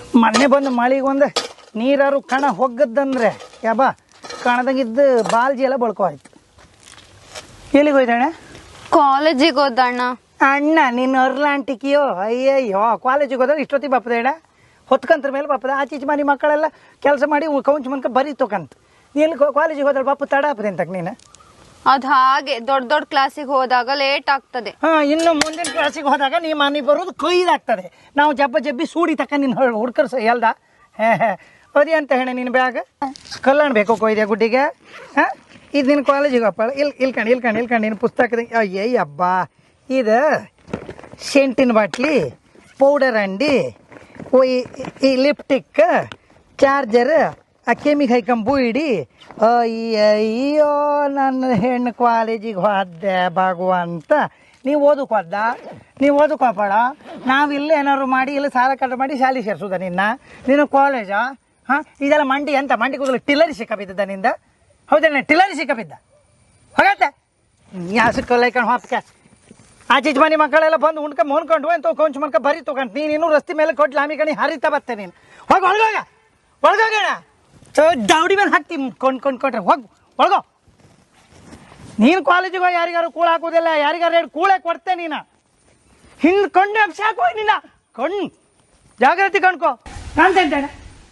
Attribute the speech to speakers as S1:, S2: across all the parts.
S1: ಮೊನ್ನೆ ಬಂದು ಮಳಿಗೊಂದು ನೀರಾರು ಕಣ ಹೊಗ್ಗದಂದ್ರೆ ಯಾಬ ಕಣದಾಗಿದ್ದು ಬಾಲ್ಜಿ ಎಲ್ಲ ಬಳ್ಕೋಯ್ತು. ಎಲ್ಲಿಗೆ ಹೋಯ್ತಣ್ಣ?
S2: ಕಾಲೇಜಿಗೆ ಹೋದಣ್ಣ.
S1: ಅಣ್ಣ ನಿನ್ನ ಅರ್ಲಾಂಟಿಕಿಯೋ ಅಯ್ಯಯ್ಯೋ ಕಾಲೇಜಿಗೆ ಹೋದಾಗ ಇಷ್ಟೊತ್ತಿಗೆ ಬಾಪದ ಅಣ್ಣ ಹೊತ್ಕಂತ್ರ ಮೇಲೆ ಬಾಪದ ಆಚೀಚೆ ಮನೆ ಮಕ್ಕಳೆಲ್ಲ ಕೆಲಸ ಮಾಡಿ ಕೌಂಚ್ ಮನ್ಕ ಬರೀತೋಕಂತ ನೀನು ಕಾಲೇಜಿಗೆ ಹೋದ್ರೆ ಬಾಪು ತಡ ಹಾಪದೆ ಅಂತಕ್ ನೀನು.
S2: ಅದ್ ಹಾಗೆ ದೊಡ್ಡ ದೊಡ್ಡ ಕ್ಲಾಸಿಗೆ ಹೋದಾಗ ಲೇಟ್ ಆಗ್ತದೆ.
S1: ಇನ್ನು ಮುಂದಿನ ಕ್ಲಾಸಿಗೆ ಹೋದಾಗ ನೀ ಮನೆ ಬರೋದು ಕೊಯ್ದಾಗ್ತದೆ. ನಾವು ಜಬ್ಬಿ ಸೂಡಿ ತಕ್ಕ ನಿನ್ನ ಹುಡ್ಕರ್ಸ ಎಲ್ದ ಅದೇ ಅಂತ ಹೇಳ ನಿನ್ನ ಬ್ಯಾಗ್ ಕಲ್ಯಾಣ ಬೇಕು ಕೊಯ್ದೆ ಗುಡ್ಡಿಗೆ. ಇದು ನಿನ್ನ ಕಾಲೇಜಿಗೆ ಅಪ್ಪ ಇಲ್ಕಂಡು ನಿನ್ನ ಪುಸ್ತಕದ ಅಯ್ಯಯ್ಯ ಹಬ್ಬ ಇದು ಸೆಂಟಿನ ಬಾಟ್ಲಿ ಪೌಡರ್ ಅಂಡಿ ಈ ಲಿಪ್ಟಿಕ್ ಚಾರ್ಜರ್ ಆ ಕೆಮಿಗೆ ಹೈಕಂಬು ಇಡಿ. ಅಯ್ಯಯ್ಯೋ ನನ್ನ ಹೆಣ್ಣು ಕಾಲೇಜಿಗೆ ಹೋದೆ ಭಗವಂತ. ನೀವು ಓದಕ್ಕೆ ಹೋದ ನೀವು ಓದಕ್ಕೆ ಹೋಗ್ಬೇಡ. ನಾವಿಲ್ಲ ಏನಾದ್ರು ಮಾಡಿ ಇಲ್ಲ ಸಾಲ ಕಟ್ಟ ಮಾಡಿ ಶಾಲೆ ಸೇರಿಸೋದ ನೀನು ಕಾಲೇಜಾ? ಇದೆಲ್ಲ ಮಂಡಿ ಅಂತ ಮಂಡಿ ಕೂದಲು ಟಿಲ್ಲರಿ ಸಿಕ್ಕಬಿದ್ದ ನಿಂದ. ಹೌದೇನೆ ಟಿಲ್ಲರಿ ಸಿಕ್ಕಬಿದ್ದ ಹೋಗತ್ತೆ ಯಾಸಕ್ಕಲ್ಲೈಕಂಡು ಹೊತ್ಕೆ ಆಚೀಚೆ ಮನೆ ಮಕ್ಕಳೆಲ್ಲ ಬಂದು ಮೊನ್ಕೊಂಡು ಅಂತ ಕೊಂಚ ಮನ್ಕ ಬರೀ ತೊಗೊಂಡು ನೀನು ರಸ್ತೆ ಮೇಲೆ ಕೊಟ್ಟು ಲಾಮಿ ಕಣಿ ಹರಿತಾ ಬರ್ತೆ ನೀನು. ಹೋಗಿ ಒಳಗೋಗೋಣ ದೌಡಿ ಮೇಲೆ ಹಾಕ್ತಿ ಕೊಂಡ್ರೆ ಹೋಗಿ ಒಳಗೋ. ನೀನು ಕಾಲೇಜಿಗೆ ಹೋಗಿ ಯಾರಿಗಾರು ಕೂಳ ಹಾಕೋದಿಲ್ಲ, ಯಾರಿಗಾರು 2 ಕೂಳೆ ಕೊಡ್ತೆ ನೀನು. ಹಿಂಗೆ ಕೊಂಡು ಅಂಶ ಹಾಕೋಯ್ ನೀನು ಕಣ್ಣು ಜಾಗ್ರತೆ ಕಣ್ಕೋ ಕಾಣ್ತೇನೆ.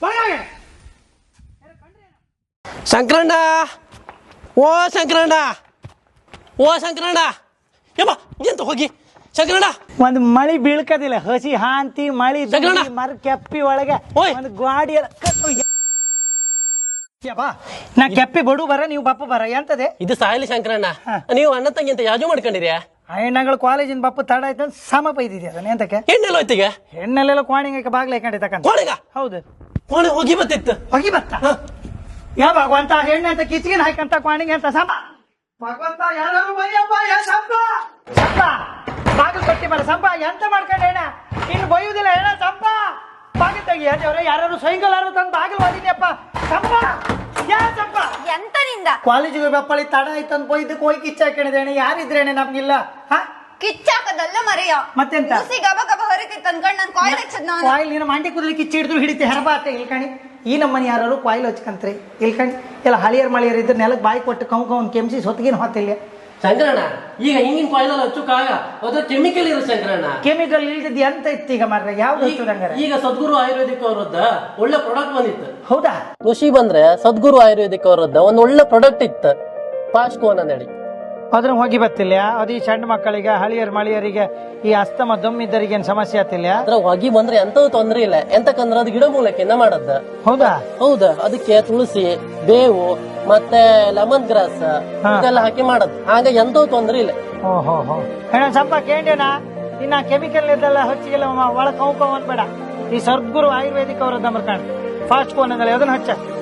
S3: ಶಂಕರಣ್ಣ ಓ ಶಂಕರಣ್ಣ ಯಮ್ಮ ಎಂತ ಹೋಗಿ ಶಂಕರಣ್ಣ.
S1: ಒಂದು ಮಳಿ ಬೀಳ್ಕದಿಲ್ಲ ಹಸಿ ಹಾಂತಿ ಮಳಿ ಮರ ಕೆಪ್ಪಿ ಒಳಗೆ ಒಂದು ಗಾಡಿ ಎಲ್ಲ ನಾ ಕೆಪ್ಪಿ ಬಡು ಬರ ನೀವು ಬಪ್ಪ ಬರ ಎಂತದೆ
S3: ಇದು ಸಾಯಲಿ ಶಂಕರಣ್ಣ. ನೀವು ಅಣ್ಣ ತಂಗಿ ಅಂತ ಯಾಜು ಮಾಡ್ಕೊಂಡಿರಿ.
S1: ಹೆಣ್ಣಗಳು ಕಾಲೇಜಿನ ಬಪ್ಪ ತಡ ಆಯ್ತು ಅಂತ ಸಮ ಬೈದಿದ್ದೆ ಅದನ್ನ ಎಂತಕ್ಕೆ
S3: ಹೆಣ್ಣೆಲ್ಲ ಹೋಯ್ತಿಗೆ
S1: ಹೆಣ್ಣೆಲ್ಲ ಕೋಣಿಗೆ ಬಾಗ್ಲ ಹಾಕೊಂಡಿದ್ದಕ್ಕಂತ
S3: ಕೋಣಿಗ
S1: ಹೌದು
S3: ಕೋಣೆ ಹೋಗಿ ಬತ್ತಿತ್ತು
S1: ಹೋಗಿ ಬತ್ತ ಯಾ ಭಗವಂತ ಹೆಣ್ಣೆ ಅಂತ ಕಿಚ್ಗಿನ ಹಾಕಂತ ಕೋಣಿಗೆ ಅಂತ ಸಮ ಭಗವಂತ ಯಾರು ಸಂಪ ಬಾಗಿಲು ಕೊಟ್ಟಿ ಬರ ಸಂಪ ಎಂತ ಮಾಡ್ಕೊಂಡೆ ಹೆಣ ಇನ್ನು ಬೈಯುವುದಿಲ್ಲ ಹೆಣ ಸಂಪ ಬಾಗಿಲು ತೆಗಿ ಅವ್ರೆ ಯಾರು ಸೈಕಲ್ ತಂದು ಬಾಗಿಲು ಓದಿದ್ಯಪ್ಪ ಸಂಪ ಯಾ ಸಂಪ
S2: ಎಂತ ನಿಂದ
S1: ಕಾಲೇಜಿಗೆ ಬಪ್ಪಳಿ ತಡ ಆಯ್ತಂದ್ ಬೈದಕ್ಕೆ ಹೋಗಿ ಕಿಚ್ಚ ಹಾಕೊಂಡಿದೆ ಅಣ್ಣ ಯಾರಿದ್ರೇನೆ ನಮ್ಗಿಲ್ಲ
S2: ಕಿಚ್ಚಾಕದಲ್ಲ ಮರೆಯ
S1: ಮತ್ತೆಂತ
S2: ಗಬ ಗಬ ಹರಿತಿತ್ತು ಅನ್ಕೊಂಡು ನಾನು ಕಾಯಿಲ್ ಹಚ್ಚದ್ ನಾನು
S1: ಕಾಯಿಲ್ ನೀನು ಮಂಡಿ ಕೂದಲಿ ಕಿಚ್ಚಿ ಹಿಡಿದ್ರು ಹಿಡಿತೆ ಹೆರಬಾತೆ ಇಲ್ಕಣಿ. ಈ ನಮ್ಮನೆ ಯಾರು ಕಾಯಿಲ್ ಹಚ್ಕಂತ್ರಿ ಇಲ್ಕಣಿ ಎಲ್ಲ ಹಳಿಯರ್ ಮಳಿಯರ್ ಇದ್ರೆ ನೆಲಕ್ಕೆ ಬಾಯಿ ಕೊಟ್ಟು ಕೌನ್ ಕೆಮ್ಸಿ ಹೊತ್ತಿಗಿನ ಹೊತ್ತಿಲ್ಲ
S3: ಶಂಕರಣ್ಣ. ಈಗ ಹಿಂಗಿನ ಕಾಯಿಲ್ ಹಚ್ಚುಕಾಗ ಅದ್ರ ಕೆಮಿಕಲ್ ಇರೋ ಶಂಕರಣ್ಣ.
S1: ಕೆಮಿಕಲ್ ಇಲ್ದಿದ್ದು ಎಂತ ಇತ್ತು ಈಗ ಮಾರ್ರೆ ಯಾವ್ದು
S3: ಈಗ ಸದ್ಗುರು ಆಯುರ್ವೇದಿಕ್ ಅವರದ್ದ ಒಳ್ಳೆ ಪ್ರಾಡಕ್ಟ್ ಬಂದಿತ್ತು.
S1: ಹೌದಾ?
S3: ಖುಷಿ ಬಂದ್ರೆ ಸದ್ಗುರು ಆಯುರ್ವೇದಿಕ್ ಅವರದ್ದ ಒಂದ್ ಒಳ್ಳೆ ಪ್ರಾಡಕ್ಟ್ ಇತ್ತು ಪಾಸ್ಕೋನ್ ಅಂದೇಳಿ.
S1: ಅದ್ರ ಹೋಗಿ ಬತ್ತಿಲ್ಲ ಅದು ಈ ಸಣ್ಣ ಮಕ್ಕಳಿಗೆ ಹಳಿಯರ್ ಮಳಿಯರಿಗೆ ಈ ಅಸ್ತಮ ದಮ್ಮಿದ್ದರಿಗೆ ಏನ್ ಸಮಸ್ಯೆ ಆತಿಲ್ಲ.
S3: ಅದ್ರ ಹೊಗಿ ಬಂದ್ರೆ ಎಂತೂ ತೊಂದ್ರೆ ಇಲ್ಲ. ಎಂತಕಂದ್ರೆ ಅದು ಗಿಡ ಮೂಲಕ್ಕಿಂದ ಮಾಡದ್ದ.
S1: ಹೌದಾ?
S3: ಹೌದಾ. ಅದಕ್ಕೆ ತುಳಸಿ ಬೇವು ಮತ್ತೆ ಲೆಮನ್ ಗ್ರಾಸ್ ಇದೆಲ್ಲ ಹಾಕಿ ಮಾಡದ್. ಹಾಗ ಎಂತೂ ತೊಂದ್ರೆ ಇಲ್ಲ.
S1: ಓಹೋ ಸ್ವಲ್ಪ ಕೇಂಡೇನಾ ಇನ್ನ ಕೆಮಿಕಲ್ ಇದೆಲ್ಲ ಹಚ್ಚಿಗೆಲ್ಲ ಒಳ ಕೌ ಅಂದ್ಬೇಡ. ಈ ಸದ್ಗುರು ಆಯುರ್ವೇದಿಕ್ ಅವರದ್ದು ನಂಬರ್ ಕಾಣ ಫಾಸ್ಟ್ ಕೋನ್ ಅದನ್ನ ಹಚ್ಚ